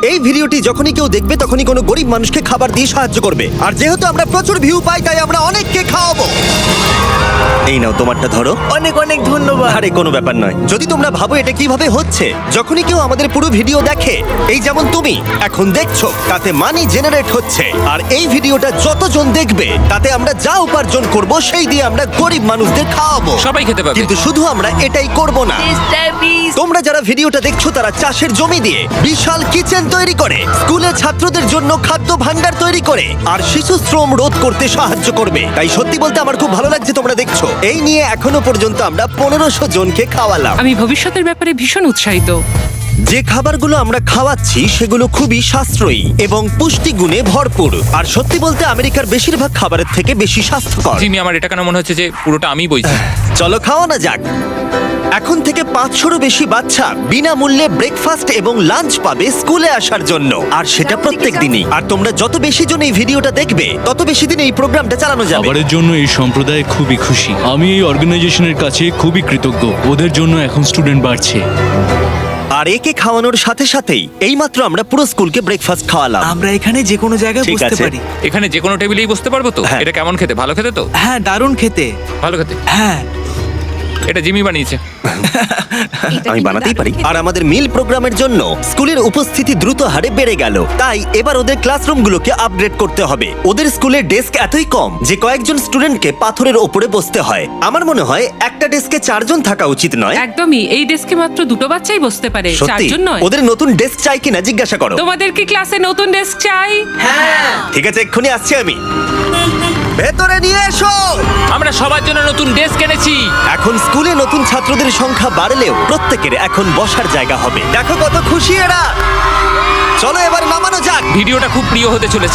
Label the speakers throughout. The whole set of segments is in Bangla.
Speaker 1: এই ভিডিওটি যখনই কেউ দেখবে তখনই কোনো গরিব মানুষকে খাবার দিয়ে সাহায্য করবে। আর যেহেতু আমরা প্রচুর ভিউ পাই তাই আমরা অনেককে খাওয়াবো। এই নাও তোমারটা ধরো।
Speaker 2: অনেক অনেক ধন্যবাদ।
Speaker 1: আরে কোনো ব্যাপার নয়। যদি তোমরা ভাবো এটা কিভাবে হচ্ছে, যখনই কেউ আমাদের পুরো ভিডিও দেখে, এই যেমন তুমি এখন দেখছো, তাতে মানি জেনারেট হচ্ছে। আর এই ভিডিওটা যতজন দেখবে তাতে আমরা যা উপার্জন করব সেই দিয়ে আমরা গরিব মানুষদের খাওয়াবো।
Speaker 3: সবাই খেতে পাবে।
Speaker 1: কিন্তু শুধু আমরা এটাই করব না। তোমরা যারা ভিডিওটা দেখছো তারা চাষের জমি দিয়ে বিশাল কিচেন তৈরি করে, স্কুলে ছাত্রদের জন্য খাদ্য ভান্ডার তৈরি করে, আর শিশু শ্রম রোধ করতে সাহায্য করবে। তাই সত্যি বলতে আমার খুব ভালো লাগছে তোমরা দেখছো। এই নিয়ে এখনো পর্যন্ত আমরা 1500 জনকে খাওয়ালাম।
Speaker 4: আমি ভবিষ্যতের ব্যাপারে ভীষণ উৎসাহিত।
Speaker 1: যে খাবারগুলো আমরা খাওয়াচ্ছি সেগুলো খুবই সাশ্রয়ী এবং পুষ্টিগুণে ভরপুর। আর সত্যি বলতে আমেরিকার বেশিরভাগ খাবারের থেকে বেশি স্বাস্থ্যকর।
Speaker 3: জিমি, আমার এটা কেন মনে হচ্ছে যে পুরোটা আমি বইছি।
Speaker 1: চলো খাওয়ানো যাক। এখন থেকে 500-রও বেশি বাচ্চা বিনামূল্যে ব্রেকফাস্ট এবং লাঞ্চ পাবে স্কুলে আসার জন্য, আর সেটা প্রত্যেক দিনই। আর তোমরা যত বেশি জন এই ভিডিওটা দেখবে তত বেশি দিন এই প্রোগ্রামটা চালানো যাবে।
Speaker 5: খাবারের জন্য এই সম্প্রদায় খুবই খুশি। আমি এই অর্গানাইজেশনের কাছে খুবই কৃতজ্ঞ। ওদের জন্য এখন স্টুডেন্ট বাড়ছে।
Speaker 1: আর একে খাওয়ানোর সাথে সাথেই এইমাত্র আমরা পুরো স্কুলকে ব্রেকফাস্ট খাওয়ালাম।
Speaker 2: আমরা এখানে যে কোনো জায়গায়
Speaker 1: ঠিক
Speaker 2: বসতে
Speaker 1: আছে।
Speaker 2: পারি।
Speaker 3: এখানে যে কোনো টেবিলেই বসতে পারবো তো?
Speaker 1: হ্যাঁ।
Speaker 3: এটা কেমন খেতে? ভালো খেতে তো?
Speaker 2: হ্যাঁ, দারুণ খেতে।
Speaker 3: ভালো খেতে।
Speaker 2: হ্যাঁ,
Speaker 3: এটা জিমি বানিয়েছে।
Speaker 1: আমি বানাতেই পারি। আর আমাদের মিল প্রোগ্রামের জন্য স্কুলের উপস্থিতি দ্রুত হারে বেড়ে গেল। তাই এবার ওদের ক্লাসরুমগুলোকে আপগ্রেড করতে হবে। ওদের স্কুলের ডেস্ক এতই কম যে কয়েকজন স্টুডেন্টকে পাথরের ওপরে বসতে হয়। আমার মনে হয় একটা ডেস্কে 4 জন থাকা উচিত নয়।
Speaker 4: একদমই, এই ডেস্কে মাত্র 2 বাচ্চাই বসতে পারে,
Speaker 1: সত্যি
Speaker 4: 4 জন নয়।
Speaker 1: ওদের নতুন ডেস্ক চাই কিনা জিজ্ঞাসা করো।
Speaker 4: তোমাদের কি ক্লাসে নতুন ডেস্ক চাই?
Speaker 1: ঠিক আছে, এক্ষুনি আসছি আমি। ভেতরে নিয়ে এসো।
Speaker 3: আমরা সবার জন্য নতুন ডেস্ক এনেছি।
Speaker 1: এখন স্কুলে নতুন ছাত্রদের সংখ্যা বাড়লেও প্রত্যেকের এখন বসার জায়গা হবে। দেখো কত খুশি এরা। চলো এবার নামানো যাক।
Speaker 3: ভিডিওটা খুব প্রিয় হতে চলেছে।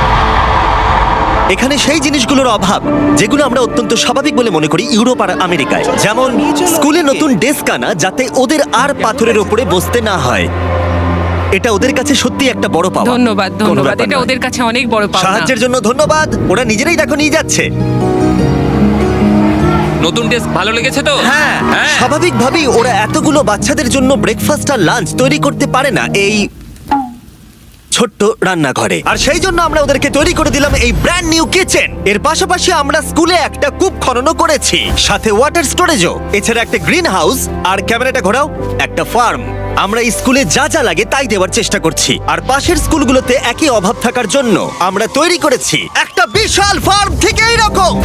Speaker 1: এখানে সেই জিনিসগুলোর অভাব যেগুলো আমরা অত্যন্ত স্বাভাবিক বলে মনে করি ইউরোপ আর আমেরিকায়, যেমন স্কুলে নতুন ডেস্ক আনা যাতে ওদের আর পাথরের উপরে বসতে না হয়। এটা ওদের কাছে সত্যি একটা বড় পাওয়া।
Speaker 4: ধন্যবাদ,
Speaker 1: কোনো
Speaker 4: ধন্যবাদ।
Speaker 1: ব্যাপার
Speaker 4: এটা
Speaker 1: নয়।
Speaker 4: ওদের কাছে অনেক বড় পাওনা।
Speaker 1: সাহায্যের জন্য ধন্যবাদ। ওরা নিজেরাই দেখো নিয়ে যাচ্ছে।
Speaker 3: নতুন ডেস্ক ভালো লেগেছে তো?
Speaker 1: হ্যাঁ,
Speaker 3: হ্যাঁ।
Speaker 1: স্বাভাবিকভাবেই ওরা এতগুলো বাচ্চাদের জন্য ব্রেকফাস্ট আর লাঞ্চ তৈরি করতে পারে না এই ছোট্ট রান্নাঘরে। আর সেই জন্য আমরা ওদেরকে তৈরি করে দিলাম এই ব্র্যান্ড নিউ কিচেন। এর পাশাপাশি আমরা স্কুলে একটা কূপ খননও করেছি, সাথে ওয়াটার স্টোরেজও, এছাড়া একটা গ্রিন হাউস, আর ক্যামেরাটা ঘোরাও, একটা ফার্ম। আমরা এই স্কুলে যা যা লাগে তাই দেওয়ার চেষ্টা করছি। আর পাশের স্কুলগুলোতে একই অভাব থাকার জন্য আমরা তৈরি করেছি একটা বিশাল ফার্ম থেকে এইরকম।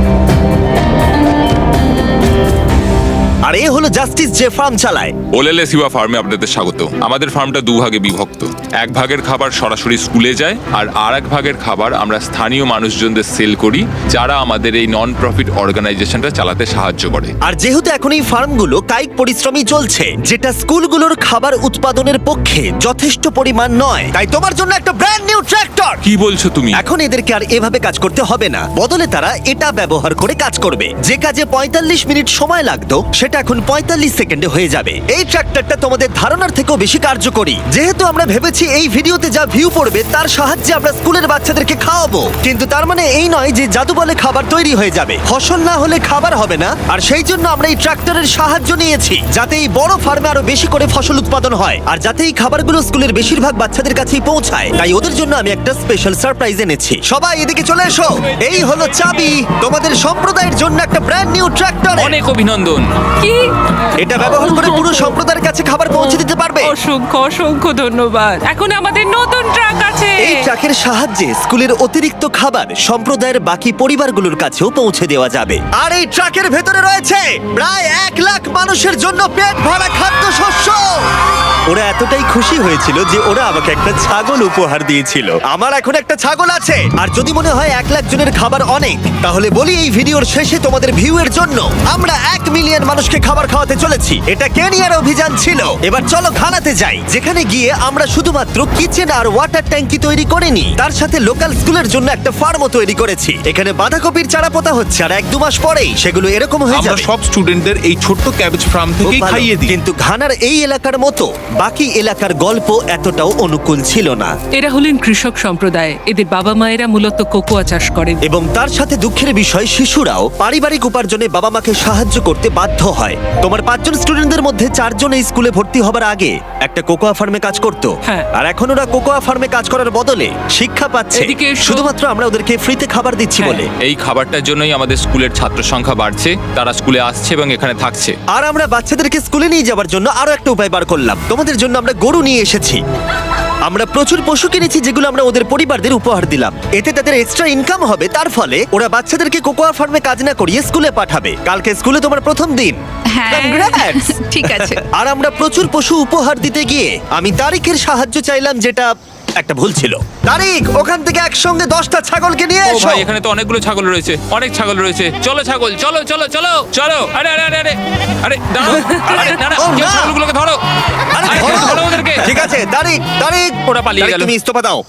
Speaker 1: আর এ হলো জাস্টিস যে ফার্ম চালায়।
Speaker 6: ওলেলে সিবা ফার্মে আপনাদের স্বাগত। আমাদের ফার্মটা 2 ভাগে বিভক্ত। 1 ভাগের খাবার সরাসরি স্কুলে যায়, আর আরেক ভাগের খাবার আমরা স্থানীয় মানুষজনদের সেল করি, যারা আমাদের এই নন প্রফিট অর্গানাইজেশনটা চালাতে সাহায্য করে।
Speaker 1: আর যেহেতু এখন এই ফার্মগুলো কায়িক পরিশ্রমই চলছে, যেটা স্কুলগুলোর খাবার উৎপাদনের পক্ষে যথেষ্ট পরিমাণ নয়, তাই তোমার জন্য একটা ব্র্যান্ড নিউ ট্র্যাক্টর।
Speaker 6: কি বলছো তুমি?
Speaker 1: এখন এদেরকে আর এভাবে কাজ করতে হবে না, বদলে তারা এটা ব্যবহার করে কাজ করবে। যে কাজে 45 মিনিট সময় লাগতো সেটা এখন 45 সেকেন্ডে হয়ে যাবে। এই ট্র্যাক্টরটা তোমাদের ধারণার থেকেও বেশি কার্যকরী। যেহেতু আমরা ভেবেছি এই ভিডিওতে যা ভিউ পড়বে তার সাহায্যে আমরা স্কুলের বাচ্চাদেরকে খাওয়াবো, কিন্তু তার মানে এই নয় যে জাদু বলে খাবার তৈরি হয়ে যাবে। ফসল না হলে খাবার হবে না। আর সেই জন্য আমরা এই ট্র্যাক্টরের সাহায্য নিয়েছি, যাতে এই বড় ফার্মে আরো বেশি করে ফসল উৎপাদন হয়, আর যাতে এই খাবারগুলো স্কুলের বেশিরভাগ বাচ্চাদের কাছেই পৌঁছায়। তাই ওদের জন্য আমি একটা স্পেশাল সারপ্রাইজ এনেছি। সবাই এদিকে চলে এসো। এই হলো চাবি তোমাদের সম্প্রদায়ের জন্য একটা ব্র্যান্ড নিউ ট্র্যাক্টর।
Speaker 3: অনেক অভিনন্দন।
Speaker 4: কি?
Speaker 1: এটা ব্যবহার করে পুরো সম্প্রদায়ের কাছে খাবার পৌঁছে দিতে পারবে।
Speaker 4: অসংখ্য অসংখ্য ধন্যবাদ। এখন আমাদের নতুন ট্রাক আছে।
Speaker 1: এই ট্রাকের সাহায্যে স্কুলের অতিরিক্ত খাবার সম্প্রদায়ের বাকি পরিবারগুলোর কাছেও পৌঁছে দেওয়া যাবে। আর এই ট্রাকের ভেতরে রয়েছে প্রায় 1 লাখ মানুষের জন্য পেট ভরা খাদ্যশস্য। ওরা এতটাই খুশি হয়েছিল যে ওরা আমাকে একটা ছাগল উপহার দিয়েছিল। আমার এখন একটা ছাগল আছে। আর যদি মনে হয় 1 লাখ জনের খাবার অনেক, তাহলে বলি এই ভিডিওর শেষে তোমাদের ভিউ এর জন্য আমরা 1 মিলিয়ন মানুষকে খাবার খাওয়াতে চলেছি। এটা কেনিয়ার অভিযান ছিল। এবার চলো ঘানাতে যাই, যেখানে গিয়ে আমরা শুধুমাত্র কিচেন আর ওয়াটার ট্যাঙ্কি তৈরি করিনি, তার সাথে লোকাল স্কুলের জন্য একটা ফার্মও তৈরি করেছি। এখানে বাঁধাকপির চারা পোতা হচ্ছে, আর 1-2 মাস পরেই সেগুলো এরকম হয়ে
Speaker 7: আমরা
Speaker 1: যাবে।
Speaker 7: সব স্টুডেন্টদের এই ছোট্ট ক্যাবেজ ফার্ম
Speaker 1: খুব
Speaker 7: থেকেই
Speaker 1: ভালো।
Speaker 7: খাইয়ে দিই।
Speaker 1: কিন্তু ঘানার এই এলাকার মতো বাকি এলাকার গল্প এতটাও অনুকূল ছিল না।
Speaker 4: এরা হলেন কৃষক সম্প্রদায়। এদের বাবা মায়েরা মূলত কোকোয়া চাষ করেন।
Speaker 1: এবং তার সাথে দুঃখের বিষয়, শিশুরাও পারিবারিক উপার্জনে বাবা মাকে সাহায্য করতে বাধ্য হয়। তোমার 5 জন স্টুডেন্টদের মধ্যে 4 জন এই স্কুলে ভর্তি হবার আগে একটা কোকোয়া ফার্মে কাজ করত,
Speaker 4: হ্যাঁ।
Speaker 1: আর এখন ওরা কোকোয়া ফার্মে কাজ করার বদলে শিক্ষা পাচ্ছে
Speaker 4: এদিকে এসো।
Speaker 1: শুধুমাত্র আমরা ওদেরকে ফ্রিতে খাবার দিচ্ছি
Speaker 4: হ্যাঁ।
Speaker 1: বলে।
Speaker 6: এই খাবারটার জন্যই আমাদের স্কুলের ছাত্র সংখ্যা বাড়ছে, তারা স্কুলে আসছে এবং এখানে থাকছে।
Speaker 1: আর আমরা বাচ্চাদেরকে স্কুলে নিয়ে যাওয়ার জন্য আরো একটা উপায় বার করলাম। তোমাদের জন্য আমরা গরু নিয়ে এসেছি। আমরা প্রচুর পশু কিনেছি যেগুলো আমরা ওদের পরিবারদের উপহার দিলাম। এতে তাদের এক্সট্রা ইনকাম হবে, তার ফলে ওরা বাচ্চাদেরকে কোকোয়া ফার্মে কাজ না করিয়ে স্কুলে পাঠাবে। কালকে স্কুলে তোমার প্রথম দিন।
Speaker 8: হ্যাঁ
Speaker 1: Congrats!
Speaker 8: ঠিক আছে।
Speaker 1: আর আমরা প্রচুর পশু উপহার দিতে গিয়ে আমি তারিখের সাহায্য চাইলাম, যেটা একটা ভুল ছিল। তারিখ, ওখান থেকে একসঙ্গে 10টা ছাগলকে নিয়ে
Speaker 6: ও
Speaker 1: এসো।
Speaker 6: ভাই, এখানে তো অনেকগুলো ছাগল রয়েছে, অনেক ছাগল রয়েছে। চলো ছাগল, চলো চলো চলো চলো। আরে আরে আরে আরে আরে দাঁড়াও, আরে না না,
Speaker 1: ও,
Speaker 6: কেউ
Speaker 1: না।
Speaker 6: ছাগলগুলোকে ধরো।
Speaker 1: আরে
Speaker 6: আরে,
Speaker 1: ধরো।
Speaker 6: ধরো ওদেরকে।
Speaker 1: ঠিক আছে, তারিখ তারিখ
Speaker 6: ওরা পালিয়ে
Speaker 1: তারিখ,
Speaker 6: গেল।
Speaker 1: তুমি ইস্তফা দাও।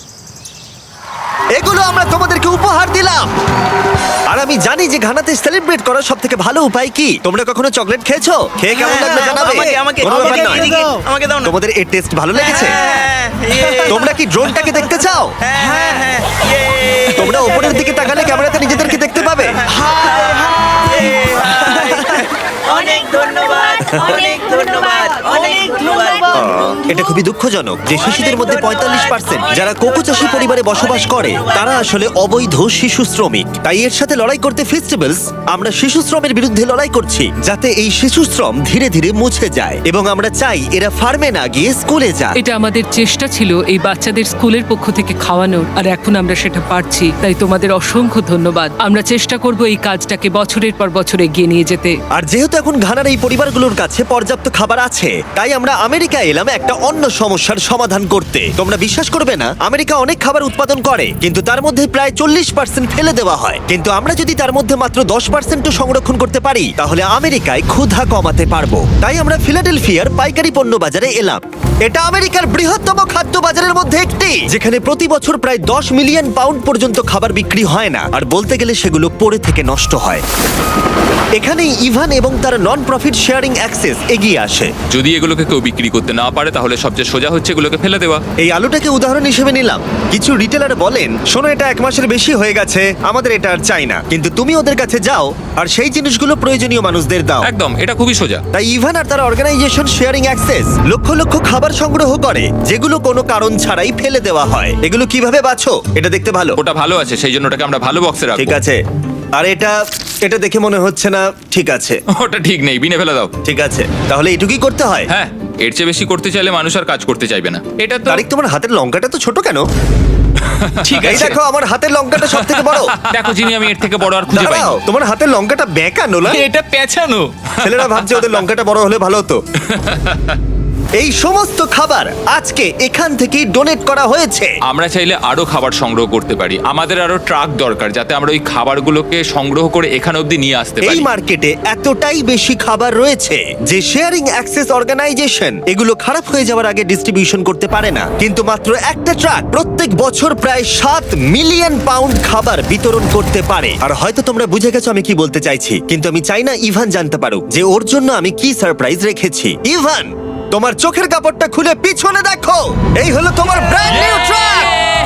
Speaker 1: এগুলো আমরা তোমাদেরকে উপহার দিলাম। আর আমি জানি যে ঘানাতে সেলিব্রেট করার সব থেকে ভালো উপায় কি। তোমরা কখনো চকলেট খেয়েছো? খেয়ে কেমন লাগলো জানাবে। কোনো ব্যাপার নয়।
Speaker 2: আমাকে দাও না।
Speaker 1: তোমাদের এর টেস্ট ভালো লেগেছে?
Speaker 2: হ্যাঁ,
Speaker 1: তোমরা কি ড্রোনটাকে দেখতে চাও? তোমরা উপরের দিকে তাকালে ক্যামেরাতে নিজেদেরকে দেখতে পাবে।
Speaker 2: অনেক ধন্যবাদ, অনেক ধন্যবাদ, অনেক ধন্যবাদ।
Speaker 1: এটা খুবই দুঃখজনক যে শিশুদের মধ্যে 45% যারা কোকো চাষী পরিবারে বসবাস করে তারা আসলে অবৈধ শিশু শ্রমিক। তাই এর সাথে লড়াই করতে ফেস্টিভ্যালস আমরা শিশু শ্রমের বিরুদ্ধে লড়াই করছি, যাতে এই শিশু শ্রম ধীরে ধীরে মুছে যায়। এবং আমরা চাই এরা ফার্মে না গিয়ে স্কুলে যায়।
Speaker 4: এটা আমাদের চেষ্টা ছিল এই বাচ্চাদের স্কুলের পক্ষ থেকে খাওয়ানোর, আর এখন আমরা সেটা পারছি। তাই তোমাদের অসংখ্য ধন্যবাদ। আমরা চেষ্টা করব এই কাজটাকে বছরের পর বছর এগিয়ে নিয়ে যেতে।
Speaker 1: আর যেহেতু এখন ঘানার এই পরিবারগুলোর কাছে পর্যাপ্ত খাবার আছে, তাই আমরা আমেরিকায় এলাম একটা অন্য সমস্যার সমাধান করতে। তোমরা বিশ্বাস করবে না, আমেরিকা অনেক খাবার উৎপাদন করে, কিন্তু তার মধ্যে প্রায় 40% ফেলে দেওয়া হয়। কিন্তু আমরা যদি তার মধ্যে মাত্র 10% সংরক্ষণ করতে পারি, তাহলে আমেরিকায় ক্ষুধা কমাতে পারবো। তাই আমরা ফিলাডেলফিয়ার পাইকারি পণ্য বাজারে এলাম। এটা আমেরিকার বৃহত্তম খাদ্য বাজারের মধ্যে একটি, যেখানে প্রতি বছর প্রায় 10 মিলিয়ন পাউন্ড পর্যন্ত খাবার বিক্রি হয় না, আর বলতে গেলে সেগুলো পড়ে থেকে নষ্ট হয়। এখানেই ইভান এবং তার নন প্রফিট শেয়ারিং অ্যাক্সেস এগিয়ে আসে।
Speaker 6: যদি এগুলোকে কেউ বিক্রি করতে না পারে, তাহলে সবচেয়ে সোজা হচ্ছে এগুলোকে ফেলে দেওয়া।
Speaker 1: এই আলুটাকে উদাহরণ হিসেবে নিলাম। কিছু রিটেলার বলেন, শোনো এটা 1 মাসের বেশি হয়ে গেছে, আমাদের এটা আর চাই না। কিন্তু তুমি ওদের কাছে যাও আর সেই জিনিসগুলো প্রয়োজনীয় মানুষদের দাও।
Speaker 6: একদম, এটা খুবই সোজা।
Speaker 1: তাই ইভান আর তার অর্গানাইজেশন শেয়ারিং অ্যাক্সেস লক্ষ লক্ষ খাবার সংগ্রহ করে, যেগুলো কোনো কারণ ছাড়াই ফেলে দেওয়া হয়। এগুলো কিভাবে বাছো? এটা দেখতে ভালো।
Speaker 6: ওটা ভালো আছে, সেই জন্য ওটাকে আমরা ভালো বক্সে রাখবো।
Speaker 1: ঠিক আছে। আর এটা এটা দেখে মনে হচ্ছে না ঠিক আছে।
Speaker 6: ওটা ঠিক নেই, বিনে ফেলে দাও।
Speaker 1: ঠিক আছে, তাহলে এটুকুই করতে হয়।
Speaker 6: হ্যাঁ, এর চেয়ে বেশি করতে চাইলে মানুষ আর কাজ করতে চাইবে না। এটা তো
Speaker 1: তারিক, তোমার হাতের লঙ্কাটা তো ছোট কেন?
Speaker 6: ঠিক
Speaker 1: এই
Speaker 6: আছে।
Speaker 1: দেখো, আমার হাতের লঙ্কাটা সব থেকে বড়।
Speaker 6: দেখো জিমি, আমি এর থেকে বড় আর খুঁজে পাই
Speaker 1: দাঁড়াও, তোমার হাতের লঙ্কাটা বেঁকা নোলা।
Speaker 5: এটা পেছানো।
Speaker 1: ছেলেরা ভাবছে ওদের লঙ্কাটা বড় হলে ভালো হতো। এই সমস্ত খাবার আজকে এখান থেকেই ডোনেট করা হয়েছে।
Speaker 6: আমরা চাইলে আরো খাবার সংগ্রহ করতে পারি। আমাদের আরো ট্রাক দরকার, যাতে আমরা ওই খাবারগুলোকে সংগ্রহ করে এখানে অবধি নিয়ে আসতে
Speaker 1: এই
Speaker 6: পারি।
Speaker 1: মার্কেটে এতটাই বেশি খাবার রয়েছে যে শেয়ারিং অ্যাক্সেস অর্গানাইজেশন এগুলো খারাপ হয়ে যাওয়ার আগে ডিস্ট্রিবিউশন করতে পারে না। কিন্তু মাত্র একটা ট্রাক প্রত্যেক বছর প্রায় 7 মিলিয়ন পাউন্ড খাবার বিতরণ করতে পারে। আর হয়তো তোমরা বুঝে গেছো আমি কি বলতে চাইছি, কিন্তু আমি চাই না ইভান জানতে পারুক যে ওর জন্য আমি কি সারপ্রাইজ রেখেছি। ইভান, তোমার চোখের কাপড়টা খুলে পিছনে দেখো। এই হলো তোমার ব্র্যান্ড নিউ ট্রাক।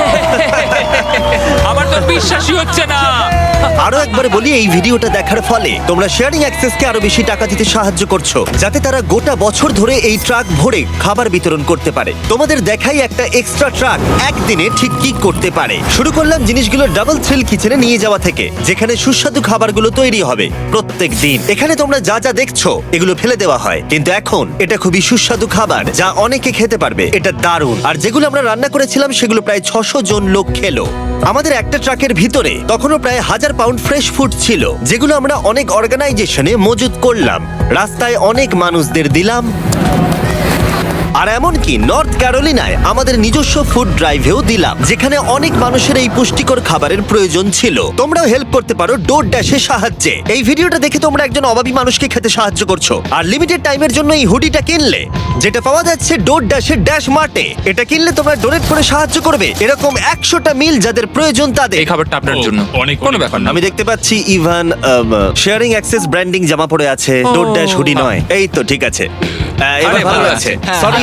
Speaker 3: আমার তো বিশ্বাসই হচ্ছে না।
Speaker 1: আরো একবার বলি, এই ভিডিওটা দেখার ফলে তোমরা শেয়ারিং অ্যাক্সেসকে আরো বেশি টাকা দিতে সাহায্য করছো, যাতে তারা গোটা বছর ধরে এই ট্রাক ভরে খাবার বিতরণ করতে পারে। তোমাদের দেখাই একটা এক্সট্রা ট্রাক একদিনে ঠিক কি করতে পারে। শুরু করলাম জিনিসগুলো ডাবল থ্রিল কিচেনে নিয়ে যাওয়া থেকে, যেখানে সুস্বাদু খাবারগুলো তৈরি হবে প্রত্যেক দিন। এখানে তোমরা যা যা দেখছো এগুলো ফেলে দেওয়া হয়, কিন্তু এখন এটা খুবই সুস্বাদু খাবার যা অনেকে খেতে পারবে। এটা দারুণ। আর যেগুলো আমরা রান্না করেছিলাম সেগুলো প্রায় 600 জন লোক খেলো। আমাদের একটা ট্রাকের ভিতরে তখনও প্রায় 1000 পাউন্ড ফ্রেশ ফুড ছিল, যেগুলো আমরা অনেক অর্গানাইজেশনে মজুত করলাম, রাস্তায় অনেক মানুষদের দিলাম। আর এমনকি নর্থ ক্যারোলিনায় আমাদের নিজস্ব ফুড ড্রাইভেও দিলাম, যেখানে অনেক মানুষের এই পুষ্টিকর খাবারের প্রয়োজন ছিল। তোমরাও হেল্প করতে পারো ডোর ড্যাশের সাহায্যে। এই ভিডিওটা দেখে তোমরা একজন অভাবী মানুষকে খেতে সাহায্য করছো। আর লিমিটেড টাইমের জন্য এই হুডিটা কিনলে, যেটা পাওয়া যাচ্ছে ডোর ড্যাশের ড্যাশ মার্টে, এটা কিনলে তোমরা ডোনেট করে সাহায্য করবে এরকম 100টা মিল যাদের প্রয়োজন তাদের।
Speaker 6: এই খাবারটা আপনার
Speaker 5: ও,
Speaker 6: জন্য
Speaker 5: অনেক
Speaker 6: কোনো ব্যাপার না।
Speaker 1: আমি দেখতে পাচ্ছি ইভান শেয়ারিং অ্যাক্সেস ব্র্যান্ডিং জামা পরে আছে, ডোর ড্যাশ হুডি নয়। এই তো ঠিক আছে, এবার
Speaker 6: আরে,
Speaker 1: ভালো
Speaker 6: ভালো
Speaker 1: আছে।
Speaker 6: আছে।
Speaker 1: সরি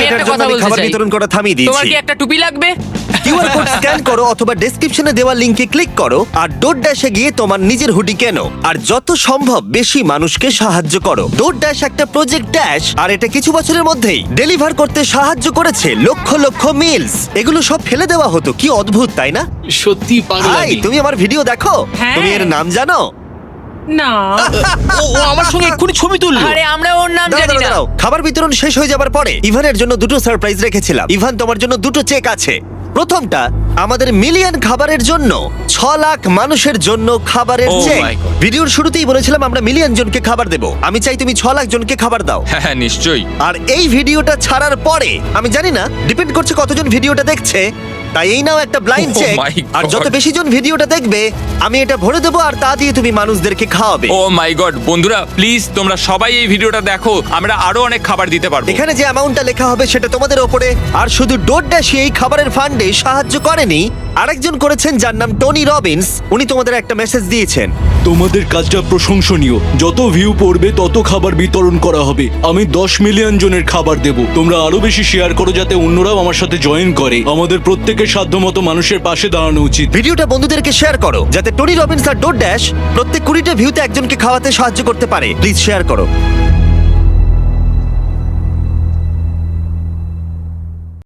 Speaker 1: এটার
Speaker 3: একটা
Speaker 1: জন্য
Speaker 3: কথা
Speaker 1: আমি
Speaker 3: বলতে
Speaker 1: খাবার
Speaker 3: চাই।
Speaker 1: বিতরণ করা থামিয়ে
Speaker 3: তোমার
Speaker 1: দিয়েছি
Speaker 3: কি একটা টুপি লাগবে?
Speaker 1: কিউআর কোড স্ক্যান করো অথবা ডেসক্রিপশনে দেওয়া লিংকে ক্লিক করো আর ডোর ড্যাশে গিয়ে তোমার নিজের হুডি কেনো আর যত সম্ভব বেশি মানুষকে সাহায্য করো। ডোর ড্যাশ একটা প্রজেক্ট ড্যাশ আর এটা কিছু বছরের মধ্যেই ডেলিভার করতে সাহায্য করেছে লক্ষ লক্ষ মিলস। এগুলো সব ফেলে দেওয়া হতো, কি অদ্ভুত তাই না?
Speaker 5: সত্যি পাগল
Speaker 1: ভাই
Speaker 5: আমি।
Speaker 1: তুমি আমার ভিডিও দেখো,
Speaker 4: হ্যাঁ।
Speaker 1: তুমি এর নাম জানো?
Speaker 4: না
Speaker 2: ও আমার সঙ্গে এক্ষুনি ছবি তুললো।
Speaker 3: আরে আমরা ওর নাম
Speaker 1: দাঁড়াও,
Speaker 3: জানি
Speaker 1: দাঁড়াও,
Speaker 3: না।
Speaker 1: দাঁড়াও। খাবার বিতরণ শেষ হয়ে যাবার পরে ইভানের জন্য দুটো সারপ্রাইজ রেখেছিলাম। ইভান, তোমার জন্য দুটো চেক আছে। প্রথমটা আমাদের মিলিয়ন খাবারের জন্য 6 লাখ মানুষের জন্য খাবারের
Speaker 6: Oh
Speaker 1: চেক।
Speaker 6: my God.
Speaker 1: ভিডিওর শুরুতেই বলেছিলাম আমরা মিলিয়ন জনকে খাবার দেব। আমি চাই তুমি 6 লাখ জনকে খাবার দাও।
Speaker 6: হ্যাঁ হ্যাঁ নিশ্চয়ই।
Speaker 1: আর এই ভিডিওটা ছাড়ার পরে আমি জানি না, ডিপেন্ড করছে কতজন ভিডিওটা দেখছে, তাই এই নাও একটা ব্লাইন্ড
Speaker 6: Oh
Speaker 1: চেক।
Speaker 6: my
Speaker 1: আর
Speaker 6: God.
Speaker 1: যত বেশি জন ভিডিওটা দেখবে আমি এটা ভরে দেবো আর তা দিয়ে তুমি মানুষদেরকে খাওয়াবে।
Speaker 6: ও মাই গড, বন্ধুরা প্লিজ তোমরা সবাই এই ভিডিওটা দেখো, আমরা আরো অনেক খাবার দিতে পারবো।
Speaker 1: এখানে যে অ্যামাউন্টটা লেখা হবে সেটা তোমাদের ওপরে। আর শুধু ডোরড্যাশই এই খাবারের ফান্ডে সাহায্য করেনি, আরেকজন করেছেন যার নাম টনি রবিন্স। উনি তোমাদের একটা মেসেজ দিয়েছেন।
Speaker 5: তোমাদের কাজটা প্রশংসনীয়। যত ভিউ পড়বে তত খাবার বিতরণ করা হবে। আমি 10 মিলিয়ন জনের খাবার দেব। তোমরা আরো বেশি শেয়ার করো যাতে অন্যরাও আমার সাথে জয়েন করে। আমাদের প্রত্যেকের সাধ্যমতো মানুষের পাশে দাঁড়ানো উচিত।
Speaker 1: ভিডিওটা বন্ধুদেরকে শেয়ার করো যাতে টনি রবিন্স আর ডোরড্যাশ প্রত্যেক 20টা ভিউতে একজনকে খাওয়াতে সাহায্য করতে পারে। প্লিজ শেয়ার করো।